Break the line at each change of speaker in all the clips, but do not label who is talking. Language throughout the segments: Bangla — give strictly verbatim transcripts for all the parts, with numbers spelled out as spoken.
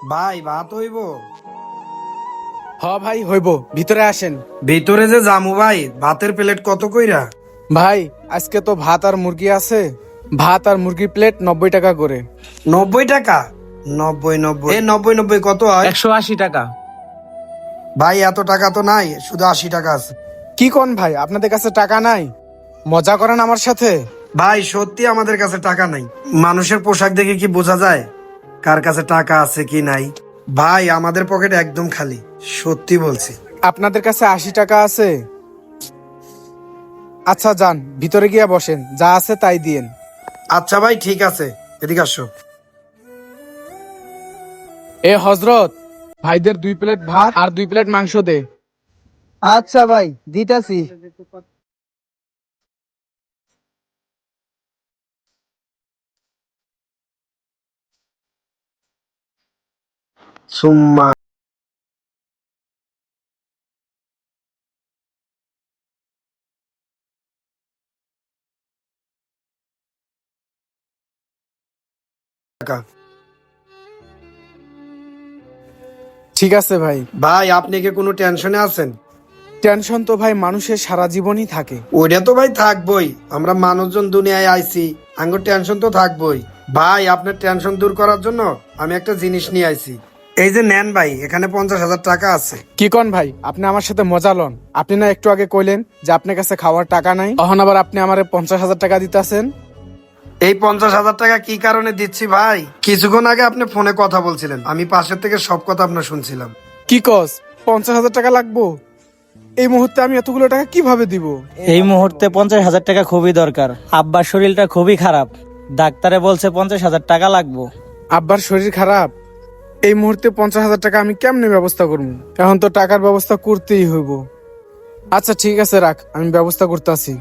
ভাই ভাত হইব?
হ ভাই হইব, ভিতরে আসেন।
ভিতরে যে জামু ভাই, ভাতের প্লেট কত কইরা?
ভাই আজকে তো ভাত আর মুরগি আছে, ভাত আর মুরগির প্লেট নব্বই টাকা করে।
নব্বই টাকা? নব্বই নব্বই এ নব্বই নব্বই কত হয়?
একশো আশি টাকা।
ভাই এত টাকা তো নাই, শুধু আশি টাকা আছে।
কি কোন ভাই, আপনাদের কাছে টাকা নাই? মজা করেন আমার সাথে?
ভাই সত্যি আমাদের কাছে টাকা নাই। মানুষের পোশাক দেখে কি বোঝা যায় কার কাছে টাকা আছে কি নাই? ভাই আমাদের পকেট একদম খালি, সত্যি বলছি।
আপনাদের কাছে আশি টাকা আছে? আচ্ছা যান, ভিতরে গিয়া বসেন, যা আছে তাই দিয়েন।
আচ্ছা ভাই ঠিক আছে, এদিকে আসো।
এ হজরত, ভাইদের দুই প্লেট ভাত আর দুই প্লেট মাংস দে।
আচ্ছা ভাই, দিতাছি।
সুম্মা টাকা।
ঠিক আছে ভাই।
ভাই আপনি কি কোনো টেনশনে আছেন?
টেনশন তো ভাই মানুষের সারা জীবনই থাকে।
ওইটা তো ভাই থাকবই, আমরা মানুষজন দুনিয়ায় আইছি, আঙ্গুর টেনশন তো থাকবই। ভাই আপনার টেনশন দূর করার জন্য আমি একটা জিনিস নিয়ে আইছি। এই যে নেন ভাই, এখানে পঞ্চাশ হাজার টাকা আছে।
কি কোন ভাই, আপনি আমার সাথে মজা লন? আপনি না একটু আগে কইলেন যে আপনার কাছে খাওয়ার টাকা নাই, তখন আবার আপনি আমারে পঞ্চাশ হাজার টাকা দিতেছেন।
এই পঞ্চাশ হাজার টাকা কি কারণে দিচ্ছি ভাই, কিছুক্ষণ আগে আপনি ফোনে কথা বলছিলেন, আমি পাশের থেকে সব কথা আপনার শুনছিলাম।
কি কস, পঞ্চাশ হাজার টাকা লাগবো? এই মুহূর্তে আমি এতগুলো টাকা কিভাবে দিব?
এই মুহূর্তে পঞ্চাশ হাজার টাকা খুবই দরকার। আব্বার শরীরটা খুবই খারাপ, ডাক্তারে বলছে পঞ্চাশ হাজার টাকা লাগবো।
আব্বার শরীর খারাপ, এই মুহূর্তে পঞ্চাশ হাজার টাকা আমি কেমনে ব্যবস্থা করবো? এখন তো টাকার ব্যবস্থা করতেই হইব। আচ্ছা ঠিক আছে, রাখ, আমি ব্যবস্থা করতেছি।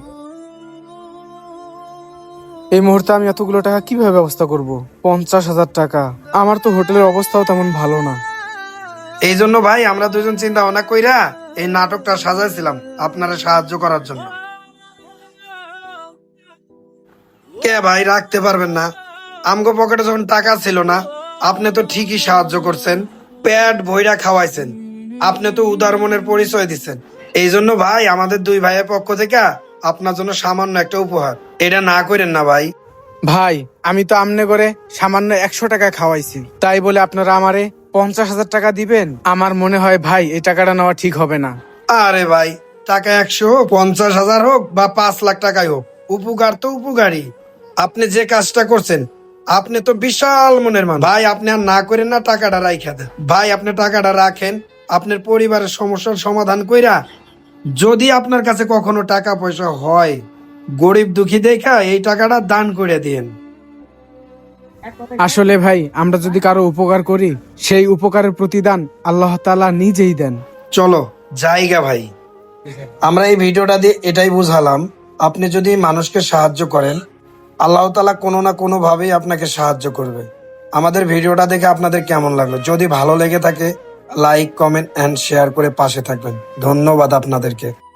এই মুহূর্তে আমি এতগুলো টাকা কিভাবে ব্যবস্থা করব? পঞ্চাশ হাজার টাকা, আমার তো হোটেলের অবস্থাও তেমন ভালো না।
এই জন্য ভাই আমরা দুজন চিন্তা ভাবনা কইরা এই নাটকটা সাজাইছিলাম আপনারা সাহায্য করার জন্য। কে ভাই রাখতে পারবেন না? আমগো পকেটে যখন টাকা ছিল না, আপনি তো ঠিকই সাহায্য করছেন, পেট ভইরা খাওয়াইছেন, আপনি তো উদার মনের পরিচয় দিচ্ছেন। এই জন্য ভাই আমাদের দুই ভাইয়ের পক্ষ থেকে আপনার জন্য সামান্য একটা উপহার, এটা না করেন না ভাই।
ভাই আমি তো আমনে করে সামান্য একশো টাকা খাওয়াইছি, তাই বলে আপনারা আমারে পঞ্চাশ হাজার টাকা দিবেন? আমার মনে হয় ভাই এই টাকাটা নেওয়া ঠিক হবে না।
আরে ভাই, টাকা একশো হোক, পঞ্চাশ হাজার হোক বা পাঁচ লাখ টাকাই হোক, উপকার তো উপকারী। আপনি যে কাজটা করছেন, আপনি তো বিশাল মনের মানুষ ভাই, আপনি আর না করেন না, টাকাটা রাইখা দেন ভাই। আপনি টাকাটা রাখেন, আপনার পরিবারের সমস্যার সমাধান কইরা যদি আপনার কাছে কখনো টাকা পয়সা হয়, গরিব দুঃখী দেখা এই টাকাটা দান করে দিয়েন।
আসলে ভাই আমরা যদি কারো উপকার করি, সেই উপকারের প্রতিদান আল্লাহ তাআলা নিজেই দেন।
চলো জায়গা ভাই, আমরা এই ভিডিওটা দিয়ে এটাই বুঝালাম, আপনি যদি মানুষকে সাহায্য করেন, আল্লাহ তাআলা কোনো না কোনো ভাবেই আপনাকে সাহায্য করবে। আমাদের ভিডিওটা দেখে আপনাদের কেমন লাগলো? যদি ভালো লেগে থাকে লাইক কমেন্ট এন্ড শেয়ার করে পাশে থাকবেন। ধন্যবাদ আপনাদেরকে।